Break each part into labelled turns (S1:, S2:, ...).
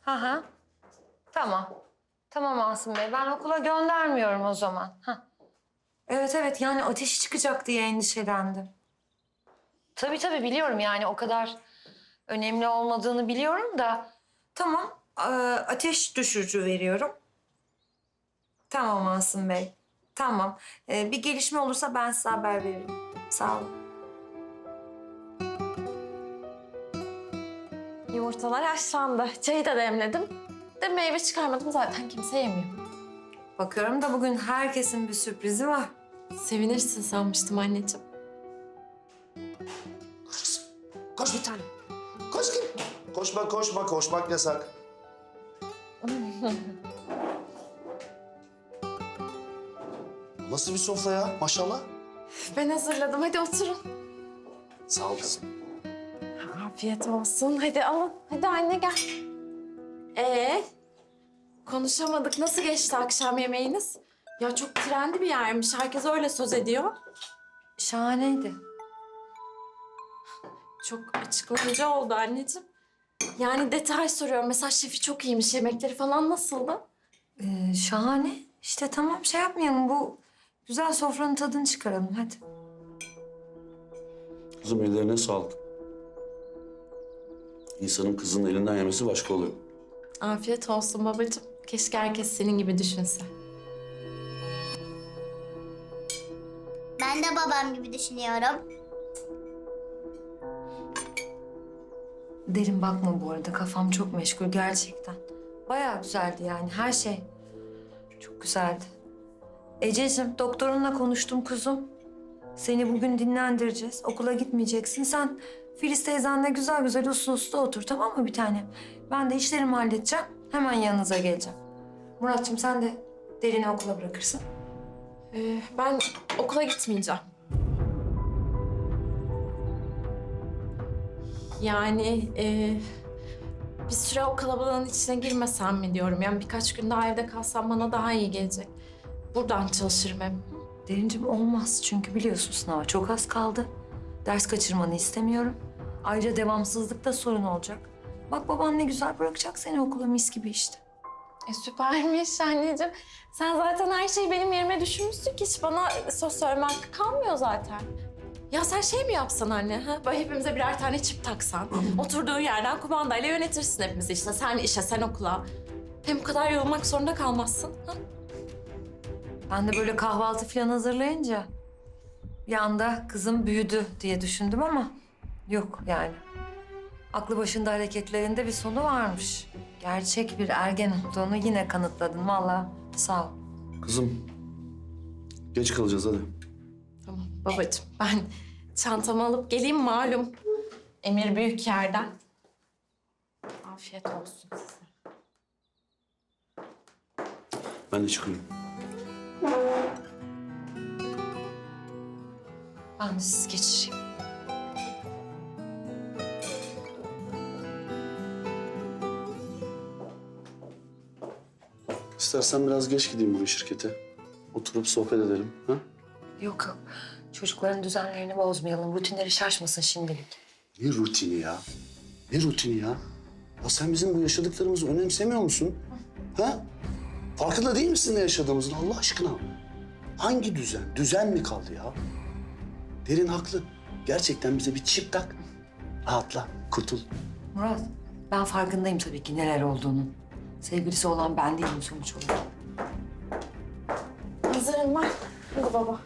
S1: Hı hı. Tamam. Tamam Asım Bey. Ben okula göndermiyorum o zaman. Hah. Evet evet yani ateşi çıkacak diye endişelendim. Tabii biliyorum yani o kadar önemli olmadığını biliyorum da. Tamam ateş düşürücü veriyorum. Tamam Asım Bey. Tamam. Bir gelişme olursa ben size haber veririm. Sağ olun.
S2: Yumurtalar haşlandı. Çayı da demledim. De meyve çıkarmadım zaten kimse yemiyor.
S1: Bakıyorum da bugün herkesin bir sürprizi var.
S2: Sevinirsin sanmıştım anneciğim.
S3: Koş bir tane. Koş git. Koşmak yasak. Nasıl bir sofra ya maşallah?
S2: Ben hazırladım. Hadi oturun.
S3: Sağ ol kızım.
S2: Afiyet olsun. Hadi alın. Hadi anne gel. Konuşamadık. Nasıl geçti akşam yemeğiniz? Ya çok trendi bir yermiş. Herkes öyle söz ediyor.
S1: Şahaneydi.
S2: Çok açıklayıcı oldu anneciğim. Yani detay soruyorum. Mesela şefi çok iyiymiş. Yemekleri falan nasıldı?
S1: Şahane. İşte tamam şey yapmayalım. Bu güzel sofranın tadını çıkaralım hadi.
S3: Kızım ellerine sağlık. İnsanın kızının elinden yemesi başka oluyor.
S2: Afiyet olsun babacığım. Keşke herkes senin gibi düşünse.
S4: Ben de babam gibi düşünüyorum.
S1: Derin bakma bu arada. Kafam çok meşgul gerçekten. Bayağı güzeldi yani her şey. Çok güzeldi. Ececiğim doktorunla konuştum kuzum. Seni bugün dinlendireceğiz. Okula gitmeyeceksin. Sen Filiz teyzenle güzel güzel uslu uslu otur tamam mı bir tanem? Ben de işlerimi halledeceğim. Hemen yanınıza geleceğim. Muratçım sen de Derin'i okula bırakırsın.
S2: Ben okula gitmeyeceğim. Yani bir süre o kalabalığın içine girmesem mi diyorum. Yani birkaç gün daha evde kalsam bana daha iyi gelecek. Buradan çalışırım hep.
S1: Derincim olmaz çünkü biliyorsun sınava çok az kaldı. Ders kaçırmanı istemiyorum. Ayrıca devamsızlıkta sorun olacak. Bak baban ne güzel bırakacak seni okula mis gibi işte.
S2: Süpermiş anneciğim. Sen zaten her şeyi benim yerime düşünmüşsün ki hiç bana söz söyleme hakkı kalmıyor zaten. Ya sen şey mi yapsan anne? Ha? Böyle hepimize birer tane çip taksan. Oturduğun yerden kumandayla yönetirsin hepimizi işte. Sen işe, sen okula. Hem bu kadar yorulmak zorunda kalmazsın. Ha?
S1: Ben de böyle kahvaltı falan hazırlayınca bir anda kızım büyüdü diye düşündüm ama yok yani. Aklı başında hareketlerinde bir sonu varmış. Gerçek bir ergen olduğunu yine kanıtladın vallahi sağ ol.
S3: Kızım geç kalacağız hadi.
S2: Tamam babacığım ben çantamı alıp geleyim malum. Emir büyük yerden. Afiyet olsun size.
S3: Ben de çıkıyorum.
S1: Ben de sizi geçireyim.
S3: İstersen biraz geç gideyim bu şirkete. Oturup sohbet edelim. Ha?
S1: Yok. Çocukların düzenlerini bozmayalım. Rutinleri şaşmasın şimdilik.
S3: Ne rutini ya? Ne rutini ya? Ya sen bizim bu yaşadıklarımızı önemsemiyor musun? Ha? Farkında değil misin ne yaşadığımızın Allah aşkına? Hangi düzen? Düzen mi kaldı ya? Derin haklı. Gerçekten bize bir çip tak. Rahatla, kurtul.
S1: Murat, ben farkındayım tabii ki neler olduğunun. Sevgilisi olan ben değilim sonuç olarak.
S2: Hazırım ben. Hadi baba.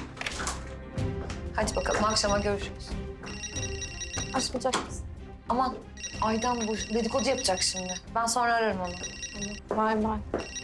S1: Hadi bakalım akşama görüşürüz.
S2: Açmayacak mısın?
S1: Aman Aydan bu dedikodu yapacak şimdi. Ben sonra ararım onu.
S2: Bay bay.